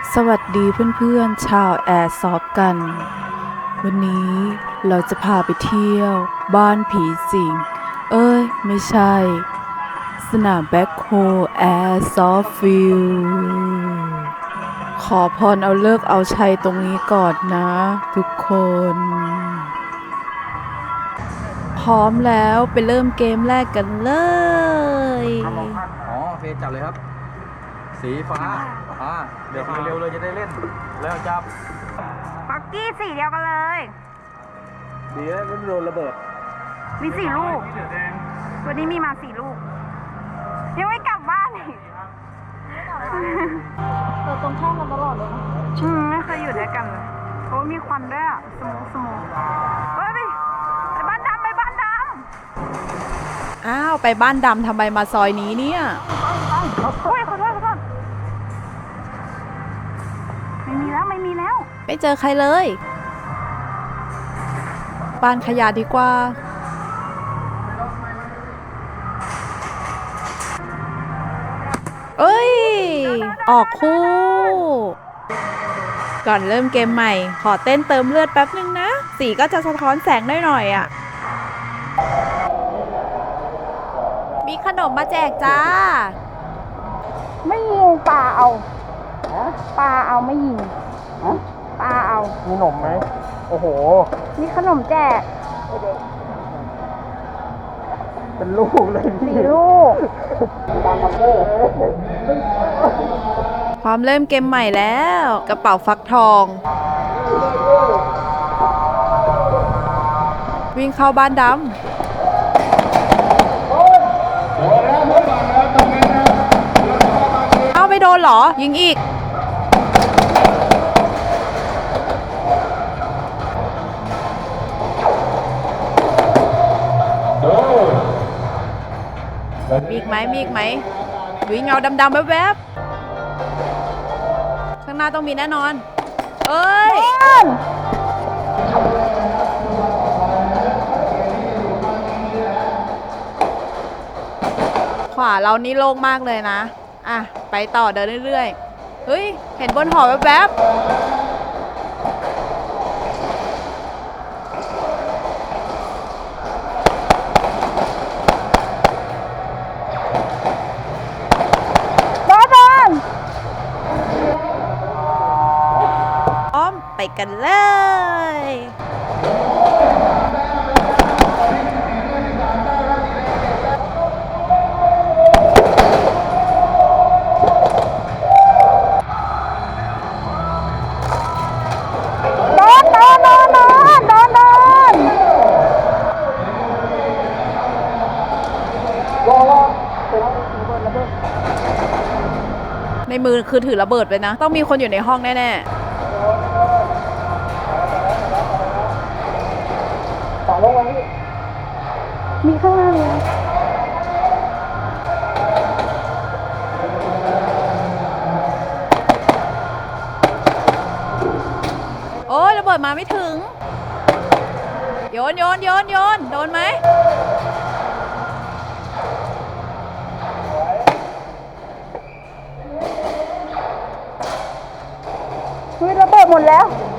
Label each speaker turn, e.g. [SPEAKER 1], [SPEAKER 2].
[SPEAKER 1] สวัสดีเพื่อนๆชาวแอร์ซอฟกัน วันนี้เราจะพาไปเที่ยวบ้านผีสิงไม่ใช่ สนามแบ็คโฮแอร์ซอฟฟิลขอพรเอาเลิกเอาชัยตรงนี้ก่อนนะทุกคน พร้อมแล้วไปเริ่มเกมแรกกันเลย
[SPEAKER 2] โอเคจับเลยครับสีฟ้าเดี๋ยวเร็วเลยจะได้เล่นแล้วจับ
[SPEAKER 3] ปักกี้สีเดียวกันเลย
[SPEAKER 2] ดีแล้วไม่โดนระเบิด
[SPEAKER 3] มี4 ลูกวันนี้มีมา4 ลูกยังไม่กลับบ้านอีก
[SPEAKER 4] เราตรงข้ามกันตลอดเลยนะ
[SPEAKER 3] ไม่เคยอยู่ด้วยกันเลยโอ้มีควันด้วยอ่ะสมูเฮ้ยไปบ้านดำไปบ้านด
[SPEAKER 1] อ้าวไปบ้านดำทำไมมาซอยนี้เนี่ย
[SPEAKER 3] ำขอโทษไม่มีแล้ว
[SPEAKER 1] ไม่เจอใครเลยบ้านขยะดีกว่าออกคู่ก่อนเริ่มเกมใหม่ขอเต้นเติมเลือดแป๊บนึงนะสีก็จะสะท้อนแสงหน่อยอ่ะมีขนมมาแจกจ้า
[SPEAKER 3] ไม่ยิงปลาเอาไม่ยิงปลาเอา
[SPEAKER 2] มีขนมไหมโอ้โห
[SPEAKER 3] มีขนมแจก
[SPEAKER 2] เป็นลูกเลย
[SPEAKER 3] 4 ลูก
[SPEAKER 1] พร้อมเริ่มเกมใหม่แล้วกระเป๋าฟักทอง วิ่งเข้าบ้านดำเอาไม่โดนเหรอยิงอีกมีอีกไหมวิ่งเงาดำๆแวบๆข้างหน้าต้องมีแน่นอนขวาเรานี่โล่งมากเลยนะไปต่อเดินเรื่อยๆเฮ้ยเห็นบนหอแวบๆไปกันเลยในมือคือถือระเบิดไปนะต้องมีคนอยู่ในห้องแน่ๆ
[SPEAKER 3] มีข้างล่างเลย
[SPEAKER 1] โอ้ยระเบิดมาไม่ถึงโยนโดนไหม
[SPEAKER 3] ระเบิดหมดแล้ว